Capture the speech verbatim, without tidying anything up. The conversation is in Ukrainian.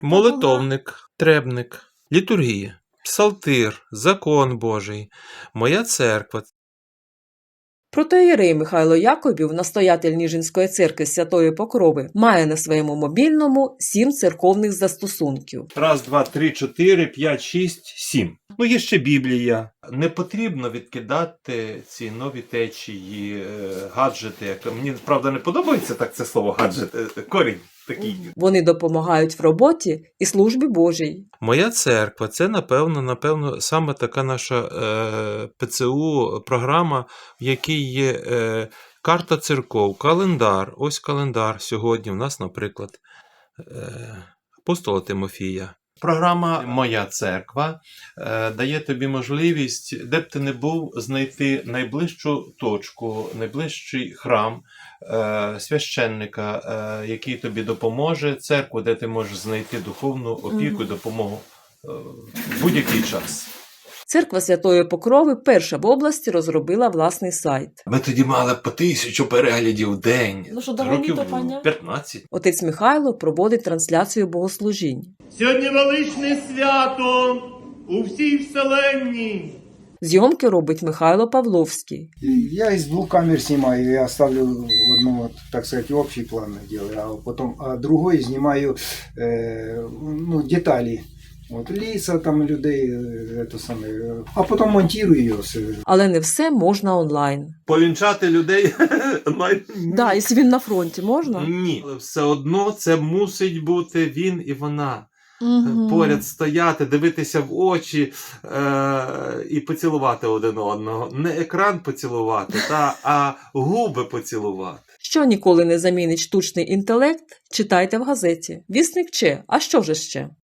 молитовник, требник, літургія, псалтир, закон Божий, моя церква. Протоієрей Михайло Яковів, настоятель Ніжинської церкви Святої Покрови, має на своєму мобільному сім церковних застосунків. Раз, два, три, чотири, п'ять, шість, сім. Ну, є ще Біблія. Не потрібно відкидати ці нові течії, е, гаджети. Як... Мені, правда, не подобається так це слово гаджет, е, корінь такий. Вони допомагають в роботі і службі Божій. Моя церква – це, напевно, напевно, саме така наша е, ПЦУ програма, в якій є е, карта церков, календар. Ось календар сьогодні у нас, наприклад, е, апостола Тимофія. Програма «Моя церква» е, дає тобі можливість, де б ти не був, знайти найближчу точку, найближчий храм, е, священника, е, який тобі допоможе, церкву, де ти можеш знайти духовну опіку і допомогу е, в будь-який час. Церква Святої Покрови перша в області розробила власний сайт. Ми тоді мали по тисячу переглядів в день, Ну що, давай років то, паня? п'ятнадцять. Отець Михайло проводить трансляцію богослужінь. Сьогодні величне свято у всій вселенні. Зйомки робить Михайло Павловський. Я из двух камер снимаю, я ставлю одну, вот, так сказать, общий план делаю, а потом а другой снимаю э, ну, детали. Вот, лица там людей, э, это самое, а потом монтирую ее. Але не все можна онлайн. Повінчати людей онлайн? Да, якщо він на фронті, можна? Ні. Але все одно це мусить бути він і вона. Угу. Поряд стояти, дивитися в очі е- і поцілувати один одного. Не екран поцілувати, та, а губи поцілувати. Що ніколи не замінить штучний інтелект, читайте в газеті. Вісник Че, а що же ще?